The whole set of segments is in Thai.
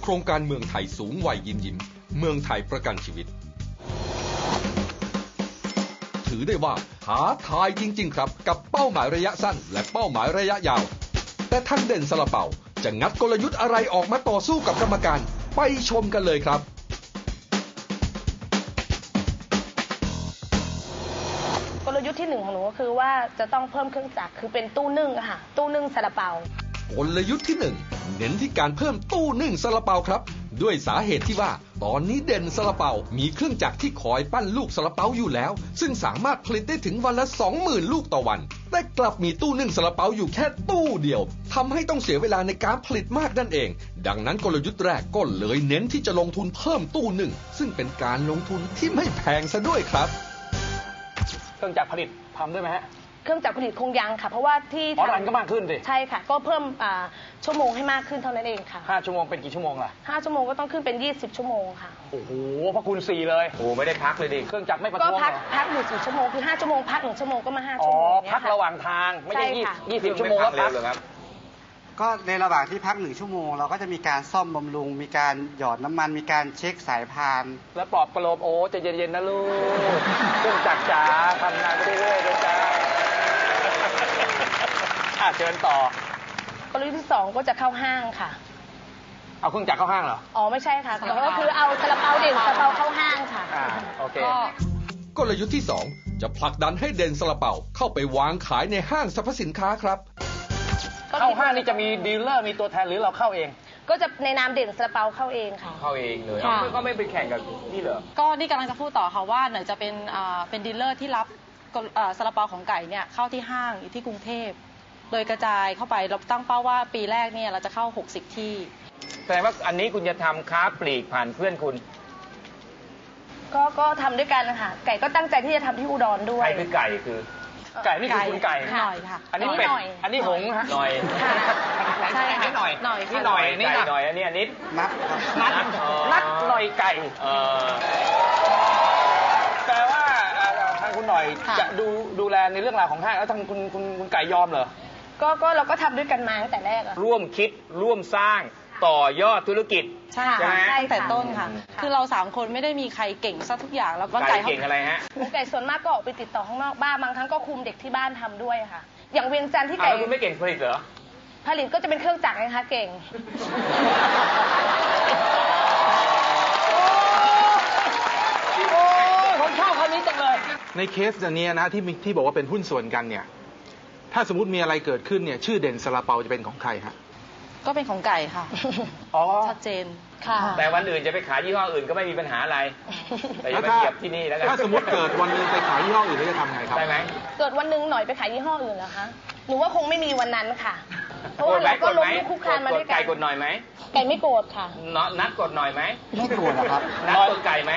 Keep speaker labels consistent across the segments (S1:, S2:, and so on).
S1: โครงการเมืองไทยสูงวัยยิ้มเมืองไทยประกันชีวิตถือได้ว่าท้าทายจริงๆครับกับเป้าหมายระยะสั้นและเป้าหมายระยะยาวแต่ท่านเด่นซาลาเปาจะงัดกลยุทธ์อะไรออกมาต่อสู้กับกรรมการไปชมกันเลยครับ
S2: กลยุทธ์ที่1ของหนูก็คือว่าจะต้องเพิ่มเครื่องจักรคือเป็นตู้นึ่งค่ะตู้นึ่งซาลาเปาก
S1: ลยุทธ์ที่1เน้นที่การเพิ่มตู้นึ่งซาลาเปาครับด้วยสาเหตุที่ว่าตอนนี้เด่นซาลาเปามีเครื่องจักรที่คอยปั้นลูกซาลาเปาอยู่แล้วซึ่งสามารถผลิตได้ถึงวันละ 20,000 ลูกต่อวันแต่กลับมีตู้นึ่งซาลาเปาอยู่แค่ตู้เดียวทำให้ต้องเสียเวลาในการผลิตมากนั่นเองดังนั้นกลยุทธ์แรกก็เลยเน้นที่จะลงทุนเพิ่มตู้นึ่งซึ่งเป็นการลงทุนที่ไม่แพงซะด้วยครับ
S3: เครื่องจักรผลิตทำด้วยไหมฮะ
S2: เครื่องจักรผลิตคงยังค่ะเพราะว่าที่
S3: รันก็มากขึ้นสิ
S2: ใช่ค่ะก็เพิ่มชั่วโมงให้มากขึ้นเท่านั้นเองค่ะ
S3: 5 ชั่วโมงเป็นกี่ชั่วโมงล่ะ
S2: 5 ชั่วโมงก็ต้องขึ้นเป็น20 ชั่วโมงค่ะ
S3: โอ้โหพระคุณ4เลยโอ้ไม่ได้พักเลยดิเครื่องจักรไม่ประท้วง
S2: ก็พักอยู่4 ชั่วโมงคือ5 ชั่วโมงพัก1 ชั่วโมงก็มา5 ชั่วโมง
S3: พักระหว่างทางไม่ใช่20 ชั่วโมงแล้วพัก
S4: ครับก็ในระหว่างที่พัก1 ชั่วโมงเราก็จะมีการซ่อมบำรุงมีการหยอดน้ำมันมีการเช็คสายพาน
S3: แล้วปลอบประโลมโอ้ใจเย็นๆนะลูกเครื่องจักรจ๋าทำงานไปเรื่อยๆจ้าเชิญต่อก
S2: ลยุทธ์ที่2ก็จะเข้าห้างค่ะ
S3: เอาเครื่องจักรเข้าห้างเหรอ
S2: อ๋อไม่ใช่ค่ะก็คือเอาซาลาเปาเด่นซาลาเปาเข้าห้างค่ะ
S3: โอเค
S1: กลยุทธ์ที่2จะผลักดันให้เด่นซาลาเปาเข้าไปวางขายในห้างสรรพสินค้าครับ
S3: เข้าห้างนี่จะมีดีลเลอร์มีตัวแทนหรือเราเข้าเอง
S2: ก็จะในนามเด่นซาลาเปาเข้าเองค่ะ
S3: เข้าเองเลยก็ไม่ไปแข่งกับนี่เหรอ
S5: ก็นี่กำลังจะพูดต่อค่ะว่าหน่อยจะเป็นดีลเลอร์ที่รับซาลาเปาของไก่เนี่ยเข้าที่ห้างอยู่ที่กรุงเทพโดยกระจายเข้าไปเราตั้งเป้าว่าปีแรกเนี่ยเราจะเข้า60ที่
S3: แสดงว่าอันนี้คุณจะทำค้าปลีกผ่านเพื่อนคุณ
S2: ก็ทำด้วยกันนะคะไก่ก็ตั้งใจที่จะทำที่อุดรด้วย
S3: ใครคือไก่คือไก่นี่คือคุณไก่
S5: หน่อยค่ะ
S3: อันนี้เป็ดอันนี้หงส์ฮะหน่อย
S5: ใช่
S3: ค่ะหน่อยนี่หน่อยนี่หน่อยอันนี้
S4: นัด
S3: หน่อยไก่แปลว่าทางคุณหน่อยจะดูแลในเรื่องราวของห้างแล้วทางคุณไก่ยอมเหรอ
S2: ก็เราก็ทำด้วยกันมาตั้งแต่แรก
S3: ร่วมคิดร่วมสร้างต่อยอดธุรกิจ
S5: ใช่ตั้งแต่ต้นค่ะคือเรา3 คนไม่ได้มีใครเก่งซะทุกอย่างแล้วก็
S3: ไก่เก่งอะไรฮะ
S2: ไก่ส่วนมากก็ออกไปติดต่อข้างนอกบ้างบางครั้งก็คุมเด็กที่บ้านทำด้วยค่ะอย่างเวียงจันทร์ที่ไก่
S3: คุณไม่เก่งผลิตเหรอ
S2: ผลิตก็จะเป็นเครื่องจักรนะคะเก่ง
S3: ผมชอบคำนี้จังเลย
S6: ในเคสอันนี้นะที่บอกว่าเป็นหุ้นส่วนกันเนี่ยถ้าสมมติมีอะไรเกิดขึ้นเนี่ยชื่อเด่นซาลาเปาจะเป็นของใครฮะ
S5: ก็เป็นของไก่ค่ะชัดเจน
S2: ค่ะ
S3: แต่วันอื่นจะไปขายยี่ห้ออื่นก็ไม่มีปัญหาอะไรแต่อย่าไปเหยียบที่นี่แล้วกัน
S6: ถ้าสมมติเกิดวันนึงไปขายยี่ห้ออื่นแล้วจะทำไงครับ
S3: ได้ไหม
S2: เกิดวันนึงหน่อยไปขายยี่ห้ออื่นเหรอคะหนูว่าคงไม่มีวันนั้นค่ะเพราะว่าเราก็ล้มลุกคลุกคลานมาด้วยกัน
S3: ไก่กดหน่อยไหม
S2: ไก่ไม่โกรธค่ะ
S3: นัดกดหน่อยไหม
S4: ไม่โกรธครับ
S3: นัดกดไก่ไหม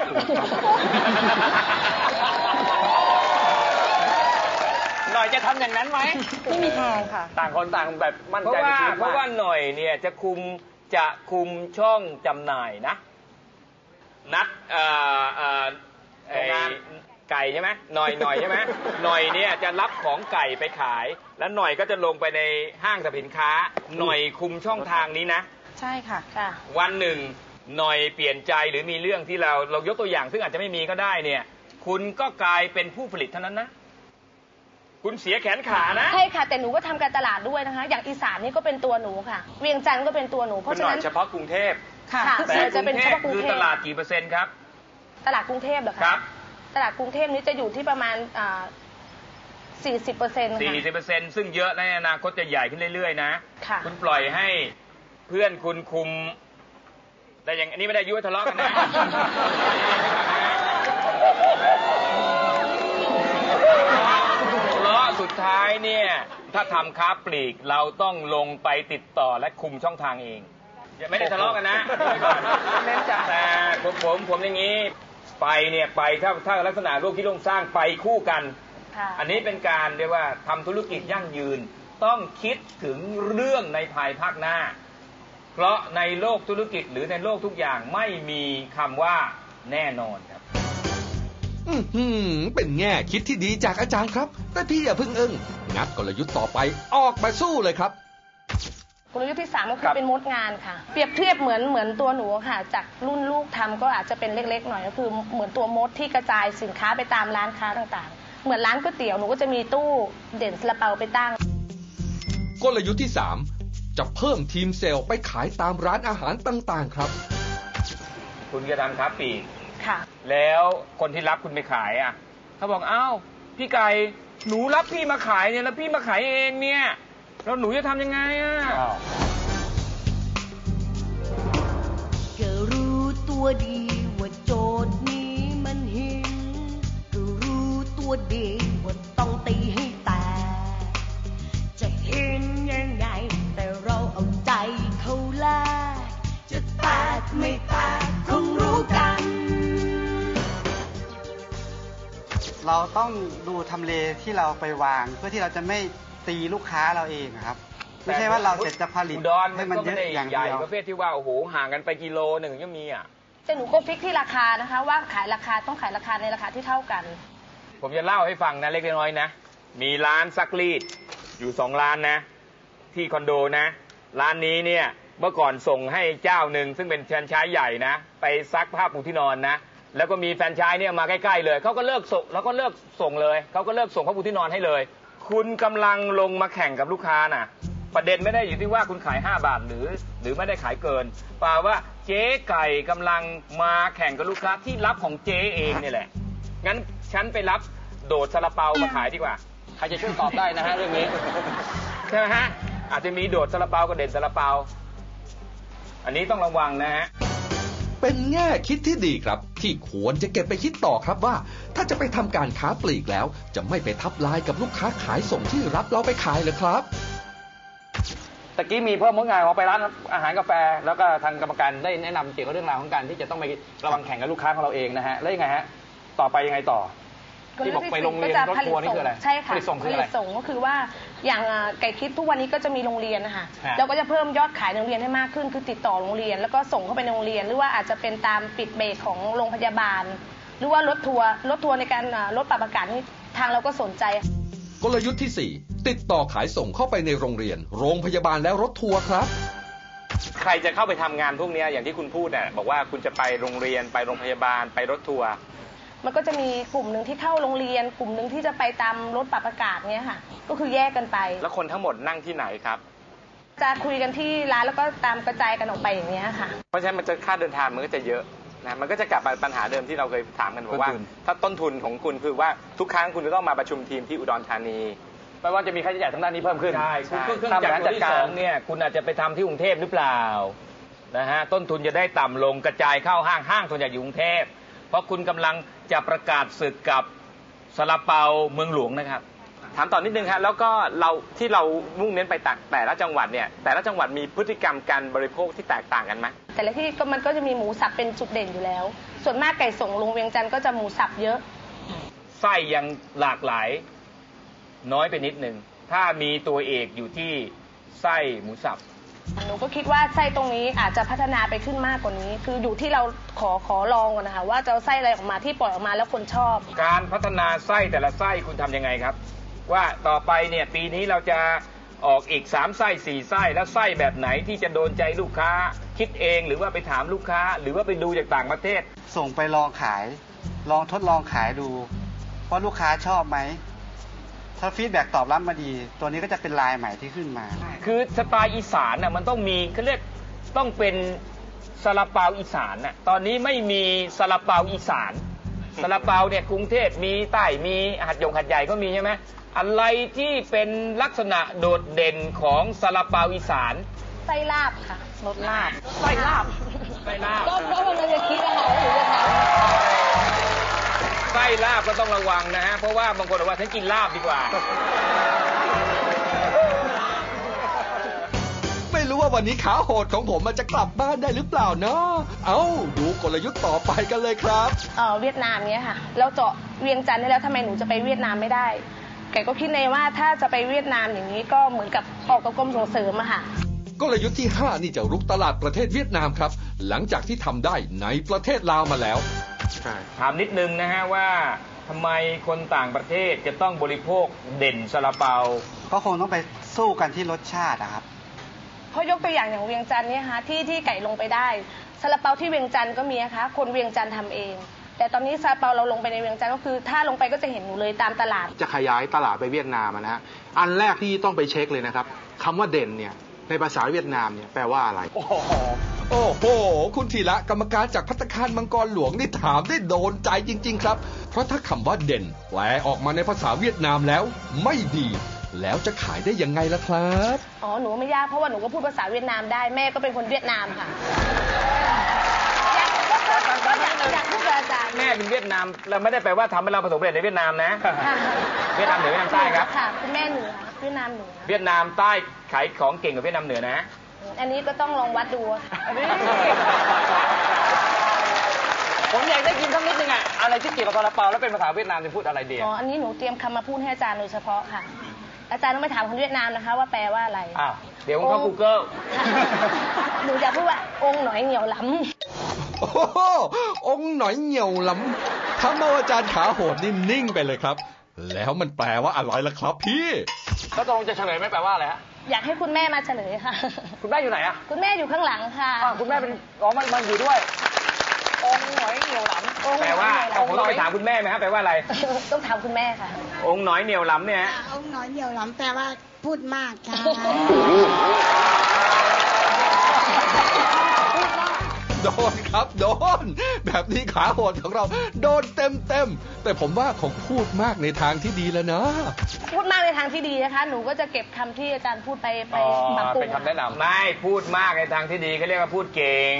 S3: หน่อยจะทำอย่างนั้นไหม
S5: ไม่มีทางค่ะ
S3: ต่างคนต่างแบบมั่นใจเพราะว่าหน่อยเนี่ยจะคุมช่องจำหน่ายนะนัดงานไก่ใช่ไหมหน่อยใช่ไหมหน่อยเนี่ยจะรับของไก่ไปขายแล้วหน่อยก็จะลงไปในห้างสรรพสินค้าหน่อยคุมช่องทางนี้นะ
S5: ใช่ค่ะ
S3: วันหนึ่งหน่อยเปลี่ยนใจหรือมีเรื่องที่เรายกตัวอย่างซึ่งอาจจะไม่มีก็ได้เนี่ยคุณก็กลายเป็นผู้ผลิตเท่านั้นนะคุณเสียแขนขานะ
S2: ใช่ค่ะแต่หนูก็ทำการตลาดด้วยนะคะอย่างอีสานนี่ก็เป็นตัวหนูค่ะเวียงจันทร์ก็เป็นตัวหนูเพราะฉะนั้น
S3: เฉพาะกรุงเทพ
S2: ค่ะ
S3: แต่จะเป็นเฉพาะกรุงเทพคือตลาดกี่เปอร์เซ็นต์ครับ
S2: ตลาดกรุงเทพเหรอคะ
S3: ครับ
S2: ตลาดกรุงเทพนี้จะอยู่ที่ประมาณ40%
S3: 40%ซึ่งเยอะในอนาคตจะใหญ่ขึ้นเรื่อยๆนะ
S2: ค่ะ
S3: คุณปล่อยให้เพื่อนคุณคุมแต่อย่างอันนี้ไม่ได้ยุ่งทะเลาะกันนะสุดท้ายเนี่ยถ้าทำค้าปลีกเราต้องลงไปติดต่อและคุมช่องทางเองไม่ได้ทะเลาะกันนะเน้นจัดแต่ผมอย่างนี้ไปเนี่ยไปถ้าลักษณะโลกที่ร่วมสร้างไปคู่กันอันนี้เป็นการเรียกว่าทำธุรกิจยั่งยืนต้องคิดถึงเรื่องในภายภาคหน้าเพราะในโลกธุรกิจหรือในโลกทุกอย่างไม่มีคำว่าแน่นอนครับ
S1: เป็นแง่คิดที่ดีจากอาจารย์ครับแต่พี่อย่าเพิ่งงัดกลยุทธ์ต่อไปออกมาสู้เลยครับ
S2: กลยุทธ์ที่ 3 ก็คือเป็นมดงานค่ะเปรียบเทียบเหมือนตัวหนูค่ะจากรุ่นลูกทำก็อาจจะเป็นเล็กๆหน่อยก็คือเหมือนตัวมดที่กระจายสินค้าไปตามร้านค้าต่างๆเหมือนร้านก๋วยเตี๋ยวหนูก็จะมีตู้เด่นซาลาเปาไปตั้ง
S1: กลยุทธ์ที่ 3 จะเพิ่มทีมเซลล์ไปขายตามร้านอาหารต่างๆครับ
S3: คุณจะทำค้าปลีก
S2: ค่ะ
S3: แล้วคนที่รับคุณไปขายอ่ะเขาบอกอ้าวพี่ไก่หนูรับพี่มาขายเนี่ยแล้วพี่มาขายเองเนี่ยแล้วหนูจะทำยังไงอ่ะ
S7: ก็รู้ตัวดีว่าโจทย์นี้มันหินก็รู้ตัวดีว่าต้องตีให้แตกจะเห็นยังไงแต่เราเอาใจเขาแลกจะแตกไม่แตกคงรู้กัน
S4: เราต้องดูทำเลที่เราไปวางเพื่อที่เราจะไม่ตีลูกค้าเราเองครับไม่ใช่ว่าเราเสร็จจะผลิตให้มันเยอะอย่างเดียว
S3: ประเภทที่ว่าโอ้โหห่างกันไปกิโลหนึ่งก็มีอ่ะ
S2: แต่หนูก็ฟิกที่ราคานะคะว่าขายราคาต้องขายราคาในราคาที่เท่ากัน
S3: ผมจะเล่าให้ฟังนะเล็กน้อยนะมีร้านซักรีดอยู่2 ร้านนะที่คอนโดนะร้านนี้เนี่ยเมื่อก่อนส่งให้เจ้าหนึ่งซึ่งเป็นแฟรนไชส์ใหญ่นะไปซักผ้าปูที่นอนนะแล้วก็มีแฟรนไชส์เนี่ยมาใกล้ๆเลยเขาก็เลิกส่งแล้วก็เลิกส่งเลยเขาก็เลิกส่งผ้าปูที่นอนให้เลยคุณกำลังลงมาแข่งกับลูกค้าน่ะประเด็นไม่ได้อยู่ที่ว่าคุณขาย5 บาทหรือไม่ได้ขายเกินเปล่าว่าเจ๊ไก่กำลังมาแข่งกับลูกค้าที่รับของเจ๊เองนี่แหละงั้นฉันไปรับโดดซาลาเปามาขายดีกว่าใครจะช่วยตอบได้นะฮะเรื่องนี้ใช่ไหมฮะอาจจะมีโดดซาลาเปากับเด่นซาลาเปาอันนี้ต้องระวังนะฮะ
S1: เป็นแง่คิดที่ดีครับที่ควรจะเก็บไปคิดต่อครับว่าถ้าจะไปทำการค้าปลีกแล้วจะไม่ไปทับลายกับลูกค้าขายส่งที่รับเราไปขายเลยครับ
S8: ตะกี้มีเพิ่มมดงานของไปร้านอาหารกาแฟแล้วก็ทางกรรมการได้แนะนำเกี่ยวกับเรื่องราวของการที่จะต้องไประวังแข่งกับลูกค้าของเราเองนะฮะแล้วยังไงฮะต่อไปยังไงต่อที่บอกไปโรงเรียนรถทัวร์นี่คืออะไร
S2: ใช่ค่ะ
S8: ผลิตส่งคืออะไร
S2: ผลิตส่งก็คือว่าอย่างไก่คิดทุกวันนี้ก็จะมีโรงเรียนนะคะเราก็จะเพิ่มยอดขายในโรงเรียนให้มากขึ้นคือติดต่อโรงเรียนแล้วก็ส่งเข้าไปในโรงเรียนหรือว่าอาจจะเป็นตามปิดเบรกของโรงพยาบาลหรือว่ารถทัวร์ในการลดปรับอากาศนี่ทางเราก็สนใจ
S1: กลยุทธ์ที่ 4 ติดต่อขายส่งเข้าไปในโรงเรียนโรงพยาบาลและรถทัวร์ครับ
S3: ใครจะเข้าไปทำงานพวกนี้อย่างที่คุณพูดเนี่ยบอกว่าคุณจะไปโรงเรียนไปโรงพยาบาลไปรถทัวร์
S2: มันก็จะมีกลุ่มหนึ่งที่เข้าโรงเรียนกลุ่มหนึ่งที่จะไปตามรถปรับอากาศเนี้ยค่ะก็คือแยกกันไป
S3: แล้วคนทั้งหมดนั่งที่ไหนครับ
S2: จะคุยกันที่ร้านแล้วก็ตามกระจายกันออกไปอย่างเงี้ยค่ะ
S3: เพราะฉะนั้นมันจะค่าเดินทางมันก็จะเยอะนะมันก็จะกลับมาปัญหาเดิมที่เราเคยถามกันบอกว่าถ้าต้นทุนของคุณคือว่าทุกครั้งคุณจะต้องมาประชุมทีมที่อุดรธานี
S8: แปลว่าจะมีค่าใช้จ่ายทางด้านนี้เพิ่มขึ้น
S3: ใช่เครื่องจักรตัวที่2เนี่ยคุณอาจจะไปทำที่กรุงเทพหรือเปล่านะฮะต้นทุนจะได้ต่ำลงกระจายเข้าห้างส่วนใหญ่อยู่กรุงเทพเพราะคุณกำลังจะประกาศศึกกับซาลาเปาเมืองหลวงนะครับถามต่อนิดนึงครับแล้วก็เรามุ่งเน้นไปแต่ละจังหวัดเนี่ยแต่ละจังหวัดมีพฤติกรรมการบริโภคที่แตกต่างกันไหม
S2: แต่ละที่มันก็จะมีหมูสับเป็นจุดเด่นอยู่แล้วส่วนมากไก่ส่งลงเวียงจันทร์ก็จะหมูสับเยอะ
S3: ไส้ยังหลากหลายน้อยไปนิดนึงถ้ามีตัวเอกอยู่ที่ไส้หมูสับ
S2: หนูก็คิดว่าไส้ตรงนี้อาจจะพัฒนาไปขึ้นมากกว่านี้คืออยู่ที่เราขอลองก่อนนะคะว่าจะเอาไส้อะไรออกมาที่ปล่อยออกมาแล้วคนชอบ
S3: การพัฒนาไส้แต่ละไส้คุณทำยังไงครับว่าต่อไปเนี่ยปีนี้เราจะออกอีก3 ไส้4 ไส้แล้วไส้แบบไหนที่จะโดนใจลูกค้าคิดเองหรือว่าไปถามลูกค้าหรือว่าไปดูจากต่างประเทศ
S4: ส่งไปลองขายลองทดลองขายดูว่าลูกค้าชอบไหมถ้าฟีดแบ็กตอบรับมาดีตัวนี้ก็จะเป็นลายใหม่ที่ขึ้นมา
S3: คือสไตล์อีสานน่ะมันต้องมีเขาเรียกต้องเป็นซาลาเปาอีสานน่ะตอนนี้ไม่มีซาลาเปาอีสานซาลาเปาเนี่ยกรุงเทพมีใต้มีหัดใหญ่ก็มีใช่ไหมอะไรที่เป็นลักษณะโดดเด่นของซาลาเปาอีสาน
S2: ไส้ลาบค่ะรสลาบ
S3: ไส้ลาบ
S2: ก็มันจะคิดนะคะหรือจะทำ
S3: ไส้ลาบก็ต้องระวังนะฮะเพราะว่าบางคนบอกว่าฉันกินลาบดีกว่า
S1: ไม่รู้ว่าวันนี้ขาโหดของผมมันจะกลับบ้านได้หรือเปล่าเนาะดูกลยุทธ์ต่อไปกันเลยครับ
S2: เวียดนามเนี้ยค่ะเราเจาะเวียงจันทร์ได้แล้วทำไมหนูจะไปเวียดนามไม่ได้แกก็คิดในว่าถ้าจะไปเวียดนามอย่างนี้ก็เหมือนกับออกกับกรมส่งเสริมอะค่ะ
S1: กลยุทธ์ที่ 5นี่จะรุกตลาดประเทศเวียดนามครับหลังจากที่ทำได้ในประเทศลาวมาแล้ว
S3: ถามนิดนึงนะฮะว่าทำไมคนต่างประเทศจะต้องบริโภคเด่นซาลาเปา
S4: ก็คงต้องไปสู้กันที่รสชาตินะครับ
S2: เพราะยกตัวอย่างเวียงจันทร์เนี่ยค่ะที่ไก่ลงไปได้ซาลาเปาที่เวียงจันทร์ก็มีนะคะคนเวียงจันทร์ทำเองแต่ตอนนี้ซาลาเปาเราลงไปในเวียงจันทร์ก็คือถ้าลงไปก็จะเห็นหนูเลยตามตลาด
S6: จะขยายตลาดไปเวียดนามนะฮะอันแรกที่ต้องไปเช็คเลยนะครับคำว่าเด่นเนี่ยในภาษาเวียดนามเนี่ยแปลว่าอะไร
S1: โอ้โหคุณธีระกรรมการจากภัตตาคารมังกรหลวงนี่ถามได้โดนใจจริงๆครับเพราะถ้าคำว่าเด่นแปลออกมาในภาษาเวียดนามแล้วไม่ดีแล้วจะขายได้ยังไงล่ะครับ
S2: อ๋อหนูไม่ยากเพราะว่าหนูก็พูดภาษาเวียดนามได้แม่ก็เป็นคนเวียดนามค่ะอยากพูดกับอาจารย์
S3: แม่เป็นเวียดนามเราไม่ได้แปลว่าทำให้เราประสบความสำเร็จในเวียดนามนะเวียดนามเหนือเวียดนามใต้ครับ
S2: ค่ะคุณแม่เหนือเวียดนามเหนือ
S3: เวียดนามใต้ขายของเก่งกว่าเวียดนามเหนือนะ
S2: อันนี้ก็ต้องลองวัดดู
S8: ผมอยากได้ยินสักนิดนึงอะไรที่เกี่ยวกับซาลาเปาแล้วเป็นภาษาเวียดนามจะพูดอะไรดี
S2: อ๋ออันนี้หนูเตรียมคำมาพูดให้อาจารย์โดยเฉพาะค่ะอาจารย์ต้องไปถามคนเวียดนามนะคะว่าแปลว่าอะไร
S3: อ้าวเดี๋ยวผมเข้า Google
S2: หนูจะพูดว่าองค์หน่อยเหนียวล้
S1: ำโอ้โหองค์หน่อยเหนียวล้ำทำเอาอาจารย์ขาโหดนิ่งๆไปเลยครับแล้วมันแปลว่าอะไรล่ะครับพี่
S8: แล้วตรงจะเฉลยไม่แปลว่าอะไรฮะ
S2: อยากให้คุณแม่มาเฉลยค่ะ
S8: คุณแม่อยู่ไหนอะ
S2: คุณแม่อยู่ข้างหลังค่ะ
S8: คุณแม่เป็นมันอยู่ด้วยองค์หน่อยเหนียวหลำ
S3: แปลว่าผมต้องไปถามคุณแม่ไหมครับแปลว่าอะไร
S2: ต้องถามคุณแม่ค่ะ
S3: องค์หน่อยเหนียวหลำเนี่ย
S9: องค์หน่อยเหนียวหลำแปลว่าพูดมากค่ะ
S1: โดนครับโดนแบบนี้ขาโหดของเราโดนเต็มแต่ผมว่าคงพูดมากในทางที่ดีแล้วนะ
S2: พูดมากในทางที่ดีนะคะหนูก็จะเก็บคำที่อาจารย์พูดไปปรับปรุง
S3: เป็นคำแนะนำไม่พูดมากในทางที่ดีเขาเรียกว่าพูดเก่ง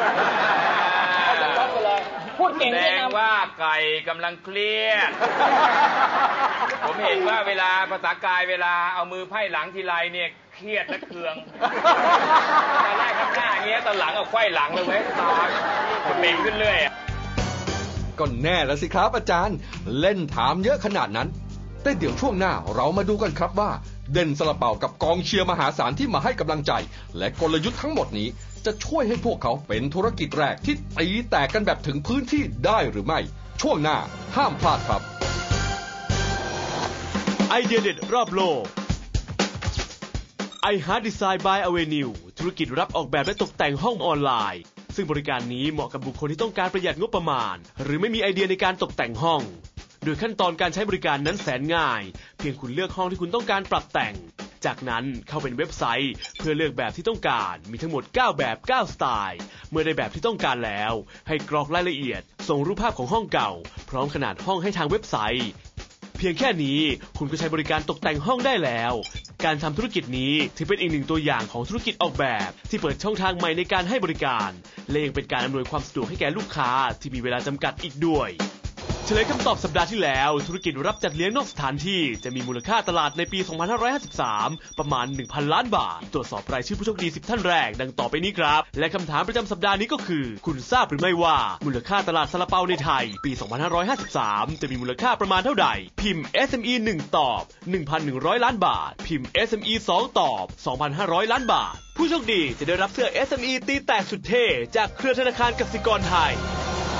S8: พูดเก่งแส
S3: ดงว่าไก่กำลังเครียดผมเห็นว่าเวลาภาษากายเวลาเอามือไพ่หลังทีไรเนี่ยเครียดและเคืองตอนแรกข้างหน้าอย่างเงี้ยตอนหลังเอาไขว้หลังเลยไว้ตาเบ่งขึ้นเรื่อย
S1: ก็แน่แล้วสิครับอาจารย์เล่นถามเยอะขนาดนั้นแต่เดี๋ยวช่วงหน้าเรามาดูกันครับว่าเด่นซาลาเปากับกองเชียร์มหาศาลที่มาให้กำลังใจและกลยุทธ์ทั้งหมดนี้จะช่วยให้พวกเขาเป็นธุรกิจแรกที่ตีแตกกันแบบถึงพื้นที่ได้หรือไม่ช่วงหน้าห้ามพลาดครับ
S10: ไอเดียเด็ดรอบโลกiHeart Design by Avenue ธุรกิจรับออกแบบและตกแต่งห้องออนไลน์ซึ่งบริการนี้เหมาะกับบุคคลที่ต้องการประหยัดงบประมาณหรือไม่มีไอเดียในการตกแต่งห้องโดยขั้นตอนการใช้บริการนั้นแสนง่ายเพียงคุณเลือกห้องที่คุณต้องการปรับแต่งจากนั้นเข้าเป็นเว็บไซต์เพื่อเลือกแบบที่ต้องการมีทั้งหมด9แบบ9สไตล์เมื่อได้แบบที่ต้องการแล้วให้กรอกรายละเอียดส่งรูปภาพของห้องเก่าพร้อมขนาดห้องให้ทางเว็บไซต์เพียงแค่นี้คุณก็ใช้บริการตกแต่งห้องได้แล้วการทำธุรกิจนี้ถือเป็นอีกหนึ่งตัวอย่างของธุรกิจออกแบบที่เปิดช่องทางใหม่ในการให้บริการและยังเป็นการอำนวยความสะดวกให้แก่ลูกค้าที่มีเวลาจำกัดอีกด้วยเฉลยคำตอบสัปดาห์ที่แล้วธุรกิจรับจัดเลี้ยงนอกสถานที่จะมีมูลค่าตลาดในปี 2553 ประมาณ 1,000 ล้านบาทตรวจสอบรายชื่อผู้โชคดี10ท่านแรกดังต่อไปนี้ครับและคำถามประจำสัปดาห์นี้ก็คือคุณทราบหรือไม่ว่ามูลค่าตลาดซาลาเปาในไทยปี 2553 จะมีมูลค่าประมาณเท่าใดพิมพ์ SME 1 ตอบ 1,100 ล้านบาทพิมพ์ SME 2 ตอบ 2,500 ล้านบาทผู้โชคดีจะได้รับเสื้อ SME ตีแตกสุดเท่จากเครือธนาคารกสิกรไทย